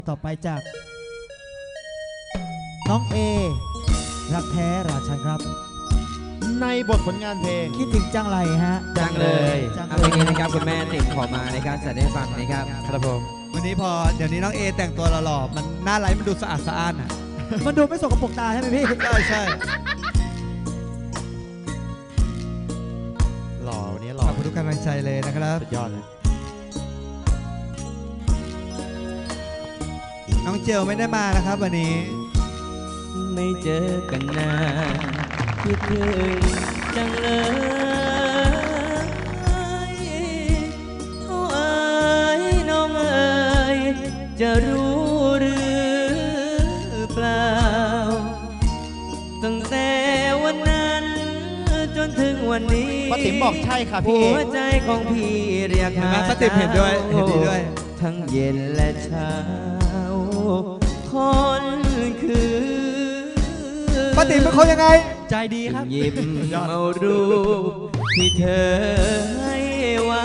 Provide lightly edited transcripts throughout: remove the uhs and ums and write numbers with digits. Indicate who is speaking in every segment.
Speaker 1: ต่อไปจากน้องเอรักแท้ราชันครับ
Speaker 2: ในบทผลงานเพลง
Speaker 1: คิดถึงจังไรฮะ
Speaker 3: จังเลยเอาเพลงนี้นะครับคุณแม่ติดขอมานะครับจะได้ฟังนะครับครับผม
Speaker 4: วันนี้เดี๋ยวนี้น้องเอแต่งตัวหล่อๆมันหน้าไลฟ์มันดูสะอาดสะอ้านอ่ะ
Speaker 1: มันดูไม่สกปรกตาใช่ไหมพี่
Speaker 4: ใช่
Speaker 2: หล่อวันนี้หล่อ
Speaker 4: ขอบคุณทุกกำลังใจเลยนะครับ
Speaker 2: สุดยอดเลย
Speaker 4: น้องเจลไม่ได้มานะครับวันนี้
Speaker 3: ไม่เจอกันนานคิดถึงจังเลยโอ้ยน้องเอ๋ยจะรู้หรือเปล่าตั้งแต่วันนั้นจนถึงวันนี้
Speaker 2: ป้าติ๋มบอกใช่ค่ะพี่
Speaker 3: หัวใจของพี่เรียกหา
Speaker 4: ป้าติ๋มเห็นด้วยเห็นดีด้วย
Speaker 3: ทั้งเย็นและเช้าคนคือ
Speaker 4: ป้าติ๋มเป็นคนยังไง
Speaker 1: ใจดีครับ
Speaker 3: ยิ้มเอารูปที่เธอให้ไว้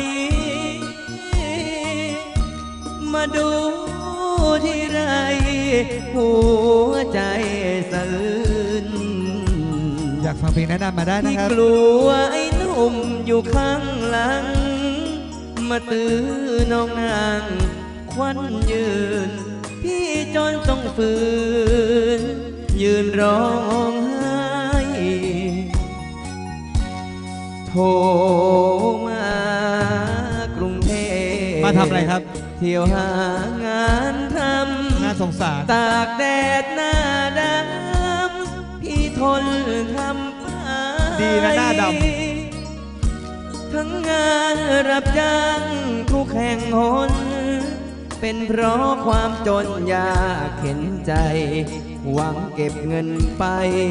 Speaker 3: มาดูที่ไรหัวใจสั่น
Speaker 4: อยากฟังเพลงแนะนำมาได้นะครับ
Speaker 3: ที่กลัวไอ้หนุ่มอยู่ข้างหลังมาตื้อน้องนางควันยืนพี่จนต้องฝืนยืนร้องไห้โทรมากรุงเทพ
Speaker 4: มาทำอะไรครับ
Speaker 3: เที่ยวหางานทำ
Speaker 4: น่าสงสาร
Speaker 3: ตากแดดหน้าดำพี่ทนทำไป
Speaker 4: ดีนะหน้าด
Speaker 3: ำทั้งงานรับจ้างทุกแห่งหนเป็นเพราะความจนยากเข็นใจหวังเก็บเงินไป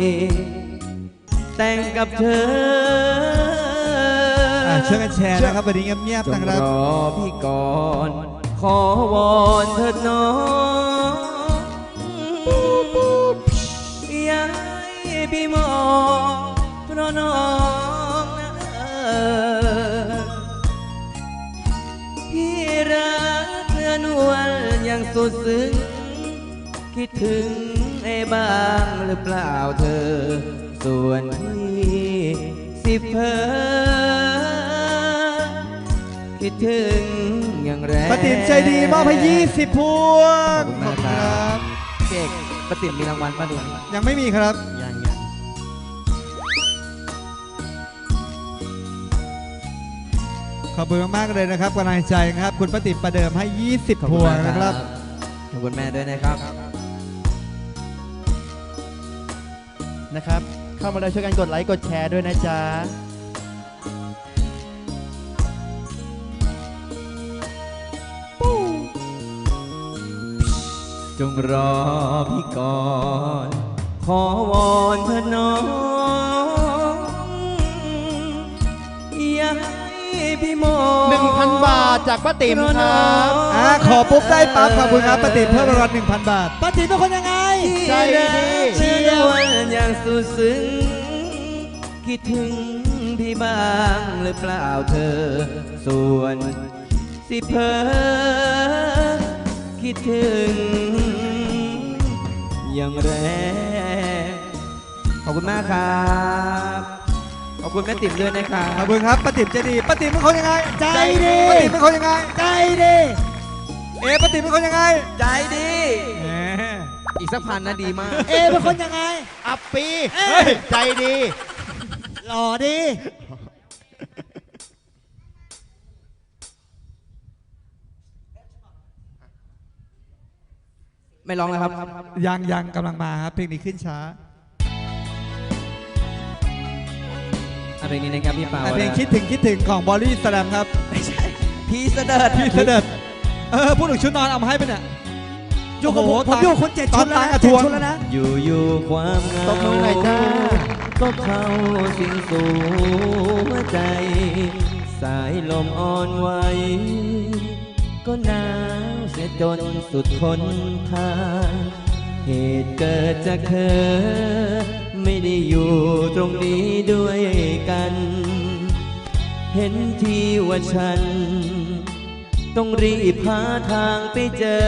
Speaker 3: แต่งกับเธอ
Speaker 4: ช่วยกันแชร์นะครับวันนี้เงียบๆนะครับ
Speaker 3: รอพี่ก่อนขอวอนเถิดน้องอย่าให้พี่มองเพราะน้องพี่รักเนื้อนวลอย่างสุดซึ้งคิดถึงบ้างหรือเปล่าเธอส่วนพี่สิเพ้อคิดถึงอย่างแรง
Speaker 4: ป้าติ๋มใจดีมอบให้20 พวง
Speaker 3: ขอบคุณครับเก่งป้าติ๋มมีรางวัลป้าดู
Speaker 4: ยังไม่มีครับ
Speaker 2: ยัง
Speaker 4: ขอบคุณมากๆเลยนะครับกำลังใจครับคุณป้าติ๋มประเดิมให้20 พวงนะครับ
Speaker 3: ขอบคุณแม่ด้วยนะครับ
Speaker 2: เข้ามาแล้วช่วยกันกดไลค์กดแชร์ด้วยนะจ๊ะ
Speaker 3: จงรอพี่ก่อนขอวอนเธอน้องอย่าให้พี่มอง
Speaker 2: 1,000 บาทจากป้าติ๋มครับ
Speaker 4: ขอปุ๊บได้ปั๊บขอบคุณครับป้าติ๋มเพิ่มรางวัล 1,000 บาท
Speaker 1: ป้าติ๋มเป็นคนยังไง
Speaker 2: ใจดี
Speaker 3: เชื่อวันอย่างสุดซึ้งคิดถึงพี่บ้างหรือเปล่าเธอส่วนสิเพ้อคิดถึงอย่างแรงขอบคุณมากครับขอบคุณแม่ติ๋มด้วยนะครับ
Speaker 4: ขอบคุณครับป้าติ๋มใจดีป้าติ๋มเป็นคนยังไง
Speaker 1: ใจดี
Speaker 4: ป้าติ๋มเป็นคนยังไง
Speaker 1: ใจดี
Speaker 4: ป้าติ๋มเป็นคนยังไง
Speaker 3: ใจดีอีกสักพันนะดีมาก
Speaker 1: เป็นคนยังไง
Speaker 2: อัปปีใจดี
Speaker 1: หล่อดี
Speaker 3: ไม่ร้องแล้วครับ
Speaker 4: ยังกำลังมาครับเพลงนี้ขึ้นช้า
Speaker 3: เพลงนี้นะครับพี่เปา
Speaker 4: เพลงคิดถึงของบอลลี่สแลมครับ
Speaker 3: ไม่ใช่พี่เสด็จ
Speaker 4: พูดถึงชุดนอนเอามาให้ไปเนี่ย
Speaker 1: อยู่กับผมอยู่คน7 ชุดแล้วนะ
Speaker 3: อยู่ความเหงา
Speaker 2: ตบมือหน่อยจ้า
Speaker 3: ก็เข้าสิงสู่หัวใจสายลมอ่อนไหวก็หนาวเสียจนสุดทนทานเหตุเกิดจากเธอไม่ได้อยู่ตรงนี้ด้วยกันเห็นทีว่าฉันต้องรีบหาทางไปเจอ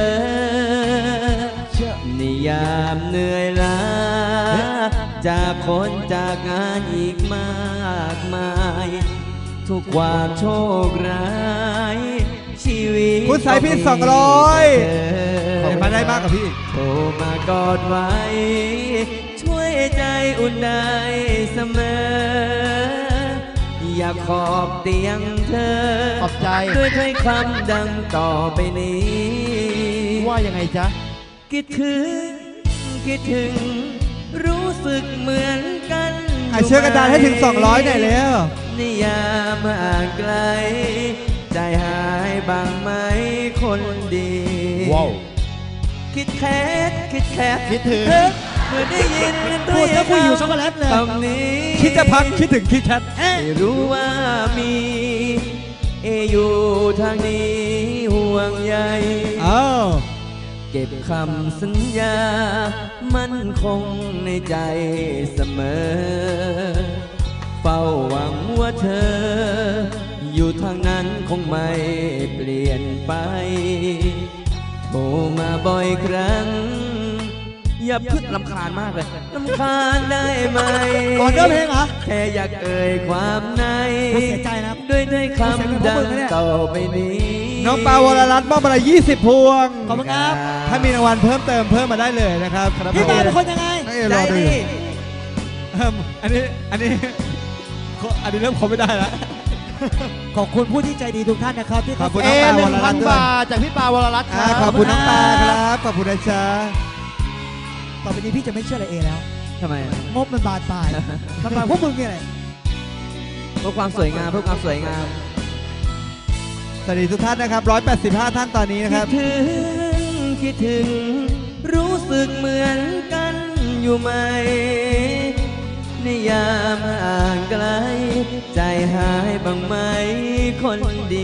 Speaker 3: ในยามเหนื่อยล้าจากคนจากงานอีกมากมาย ทุกความโชคร้ายชีวิต
Speaker 4: คุณสายพิน200มาได้มากกว่าพี่
Speaker 3: โทรมากอดไว้ ช่วยใจอุ่นได้เสมอ อยากขอบเตียงเธอ
Speaker 2: ขอบใจ
Speaker 3: ด้วยถ้อยคำดังต่อไปนี้
Speaker 2: ว่ายังไงจ๊ะ
Speaker 3: คิดถึงคิดถึง รู้สึกเหมือนกัน
Speaker 4: เชื่อกระดานให้ถึง200หน่อยแล้ว
Speaker 3: นิยามห่างไกล ใจหายบ้างไหมคนดี
Speaker 2: ว้าว
Speaker 3: คิดแค่คิดแค่
Speaker 2: คิดถึง
Speaker 3: เมื่อได้ยิน
Speaker 1: พูดแล้วคุยอยู่ช็อกโกแลตเลย
Speaker 3: คำนี้
Speaker 4: คิดจะพักคิดถึงคิดแคท
Speaker 3: ไม่รู้ว่ามีอยู่ทางนี้ห่วงใย
Speaker 4: อ้าว
Speaker 3: เก็บคำสัญญา มั่นคงในใจเสมอ เฝ้าหวังว่าเธอ อยู่ทางนั้นคงไม่เปลี่ยนไป โทรมาบ่อยครั้ง อย่าพึ่งลำคาญมากเลยลำคาญได้ไหม
Speaker 1: ก่อนเริ่มเพลงเหรอ
Speaker 3: แค่อยากเอ่ยความใน
Speaker 1: เสียใจนะครับ
Speaker 3: ด้วยถ้อยคำดังต่อไปนี้
Speaker 4: น้องปาวรรัตน์มอบมา20 พวง
Speaker 1: ขอบคุณครับ
Speaker 4: ถ้ามีรางวัลเพิ่มเติมเพิ่มมาได้เลยนะครับ
Speaker 1: พี่ปาเป็นคนยังไง
Speaker 4: ให้
Speaker 3: ใจ
Speaker 4: รอดู
Speaker 3: ดี
Speaker 4: อันนี้เริ่มคบไม่ได้แล้ว
Speaker 1: ขอบคุณผู้ที่ใจดีทุกท่านนะครับที่
Speaker 4: ขอบคุณ
Speaker 2: เอ
Speaker 4: น้องปาวรรัตน์
Speaker 2: 1,000
Speaker 4: ด้วย
Speaker 2: บาทจากพี่ปาวรรัตน์ค
Speaker 4: อ่า
Speaker 2: รับ
Speaker 4: ขอบคุณน้องปาครับ ขอบคุณนะจ๊ะ
Speaker 1: ต่อไปนี้พี่จะไม่เชื่ออะไรเอแล้ว
Speaker 3: ทำไม
Speaker 1: งบมันบานปลายมันบานพวกมึงเนี่ยแหละ
Speaker 3: เพื่อความสวยงามเพื่อความสวยงาม
Speaker 4: สวัสดีทุกท่านนะครับ185 ท่านตอนนี้นะค
Speaker 3: คิ
Speaker 4: รั
Speaker 3: ด
Speaker 4: บ
Speaker 3: ถึงคิดถึง รู้สึกเหมือนกันอยู่ไหมในยามห่างไกล ใจหายบ้างไหมคนดี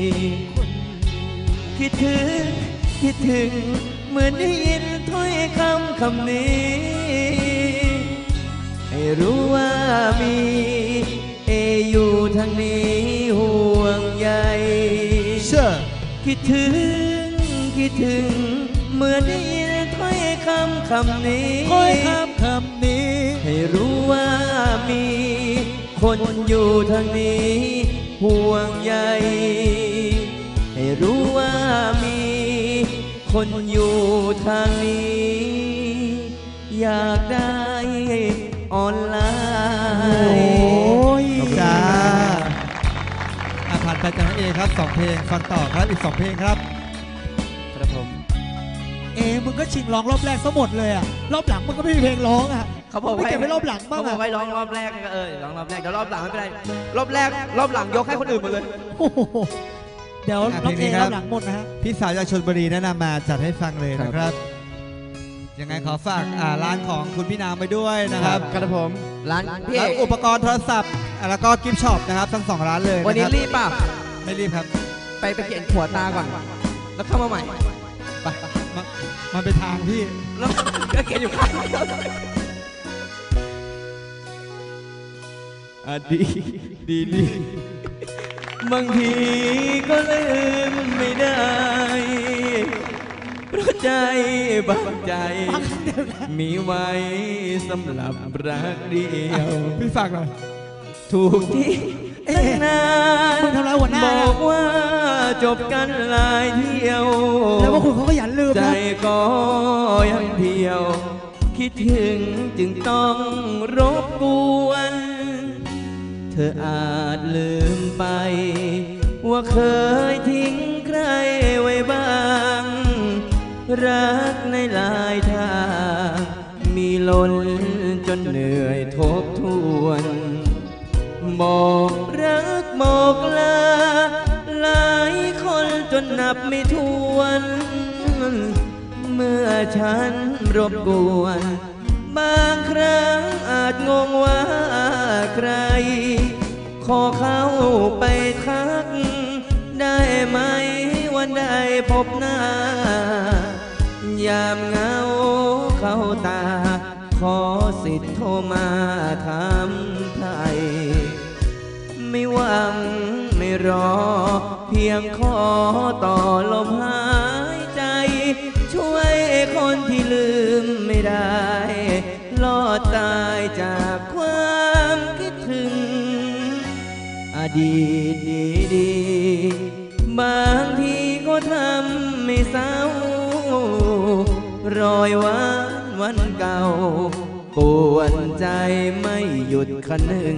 Speaker 3: คิดถึงคิดถึง เหมือนได้ยินถ้อยคำคำนี้ ให้รู้ว่ามีอยู่ทางนี้ห่วงใย
Speaker 4: เชื่อ
Speaker 3: คิดถึงคิดถึง เหมือนได้ยินถ้อยคำคำนี้
Speaker 1: ค่อยคำนี้
Speaker 3: ให้รู้ว่ามีคนอยู่ทางนี้ห่วงใย ให้รู้ว่ามีคนอยู่ทางนี้ อยากได้ออนไล
Speaker 1: โอ้
Speaker 3: น์
Speaker 1: ย
Speaker 4: จ้าผ่านไปจากน้องเอครับ2เพลงฟังต่อครับอีก2เพลงครับ
Speaker 3: ครับผม
Speaker 1: เอมึงก็ชิงร้องรอบแรกซะหมดเลยอ่ะรอบหลังมึงก็ไม่มีเพลงร้องอ่ะ
Speaker 3: เขาบอก
Speaker 1: ไม่
Speaker 3: ว่า
Speaker 1: เก็บไว้รอบหลังบ้าง
Speaker 3: เขาบอก
Speaker 1: อ่ะ
Speaker 3: ไว้ร้องรอบแรกก็ร้องรอบแรกเดี๋ยวรอบหลังไม่เป็นไรรอบแรกรอบหลังยกให้คนอื่นหมดเลย
Speaker 1: โอ้โหเดี๋ยว
Speaker 4: อ่ะ
Speaker 1: รอบ
Speaker 4: เพล
Speaker 1: เอง
Speaker 4: นี้ค
Speaker 1: ร
Speaker 4: รับ
Speaker 1: อบหลังหมดนะฮะ
Speaker 4: พี่สาวจากชลบุรีแนะนำมาจัดให้ฟังเลยนะครับ ยังไงขอฝากร้านของคุณพี่นามไปด้วยนะครับ
Speaker 2: ครับผม
Speaker 3: ร้านพี่เอ
Speaker 4: ร้าน
Speaker 3: ก
Speaker 4: อุปกรณ์โทรศัพท์แล้วก็กิฟต์ช็อปนะครับทั้ง2ร้านเลย
Speaker 3: วันนี้
Speaker 4: ะค
Speaker 3: รีบป่ะ
Speaker 4: ไม่รีบครับ
Speaker 3: ไปเขียนหัวตาก่อน แล้วเข้ามาใหม่
Speaker 4: ไปมันเป็นทางพี่
Speaker 3: แล้วก็เขียนอยู่ข้างดีบางทีก็ลืมไม่ได้ เพราะใจบางใจ มีไว้สำหรับรักเดียว
Speaker 4: พี่ฝากหน่อย
Speaker 3: ถูกที่ตั้งนาน
Speaker 1: มึงทำร้ายหัวหน้า
Speaker 3: บ
Speaker 1: นะ
Speaker 3: อกว่าจบกันหลายเที่ยว
Speaker 1: แล้วว่าคุณเขาก็ยันลืม
Speaker 3: ใจ
Speaker 1: นะ
Speaker 3: ก็ยังเที่ยว คิดถึงจึงต้องรบกวน เธออาจลืมไป ว่าเคยทิ้งใครไว้บ้าง รักในหลายทางมีล้นจนเหนื่อยทบทวน บอกรักบอกลาหลายคนจนนับไม่ถ้วน เมื่อฉันรบกวน บางครั้งอาจงงว่าใคร ขอเข้าไปทัก ได้ไหมวันใดพบหน้ายามเหงาเข้าตา ขอสิทธิ์โทรมาถามไทย ไม่หวังไม่รอเพียงขอต่อลมหายใจ ช่วยคนที่ลืมไม่ได้ รอดตายจากความคิดถึง อดีตดีๆบางทีก็ทำไม่เศร้ารอยหวานวันเก่าปวนใจไม่หยุดคันหนึ่ง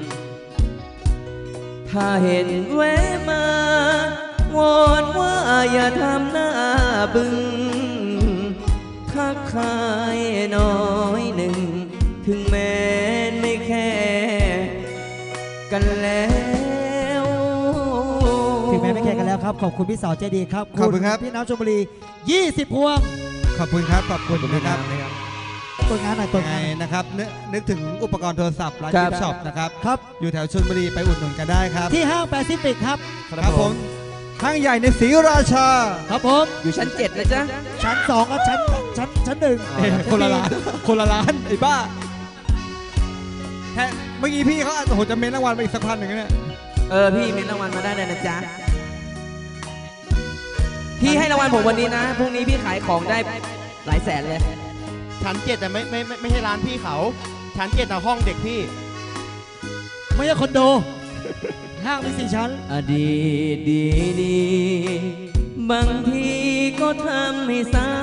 Speaker 3: ถ้าเห็นแวะมาวอนว่าอย่าทำหน้าบึ้งทักทายน้อยหนึ่ง ถึงแม้ไม่แค่กันแล้ว
Speaker 1: ถึงแม้ไม่แข่งกันแล้วครับ ขอบคุณพี่สาวใจดีครับ
Speaker 4: ขอบคุณครับ
Speaker 1: พี่น้ำชลบุรี 20 พวง
Speaker 4: ขอบคุณครับ ขอบคุณนะครับ
Speaker 1: ตัวงานหน่อยตัว
Speaker 4: ยังไง
Speaker 1: งาน
Speaker 4: นะครับนึกถึงอุปกรณ์โทรศัพท์ร้าน
Speaker 3: ครับ
Speaker 4: กิฟต์ช็อปนะครับ
Speaker 1: ครับ
Speaker 4: อยู่แถวชลบุรีไปอุดหนุนกันได้ครับ
Speaker 1: ที่ห้างแปซิฟิกครับ
Speaker 4: ครับผมห้างใหญ่ในศรีราชา
Speaker 1: ครับผม
Speaker 3: อยู่ชั้น 7 นะจ๊ะ
Speaker 1: ชั้น 2กับชั้น 1
Speaker 4: คนละร้านคนละร้านไอ้บ้าแค่เมื่อกี้พี่เขาโอ้โหจะเม้นรางวัลไปอีกสักพันหนึ่งนะเนี่ย
Speaker 3: พี่มีรางวัลมาได้เลยนะจ๊ะ พี่ให้รางวัลผมวันนี้นะ พรุ่งนี้พี่ขายของได้หลายแสนเลย
Speaker 2: ชั้นเจ็ดแต่ไม่ใช่ร้านพี่เขา ชั้นเจ็ดน่ะห้องเด็กพี่
Speaker 1: ไม่ใช่คอนโด ห้างมี4 ชั้น
Speaker 3: อดีตดีๆบางทีก็ทำให้เศร้า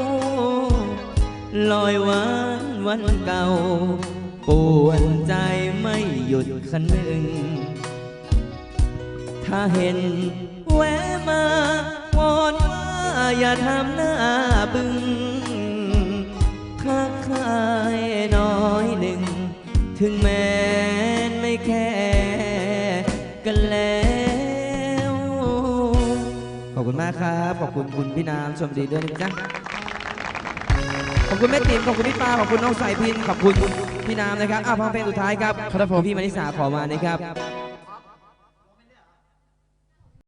Speaker 3: ลอยหวานวันเก่าปวนใจไม่หยุดคันหนึ่ง ถ้าเห็นแวะมาวอนว่าอย่าทำหน้าบึ้งทักทายน้อยหนึ่ง ถึงแม้ไม่แค่กันแล้ว ขอบคุณมากครับ ขอบคุณคุณพี่น้ำชมดีด้วยนะจ๊ะ ขอบคุณแม่ติ๋มขอบคุณพี่ปาขอบคุณน้องสายพิน ขอบคุณพี่น้ำนะครับฟังเพลงสุดท้ายครับ
Speaker 2: ครับผม
Speaker 3: พี่มานิสาขอมานะครับ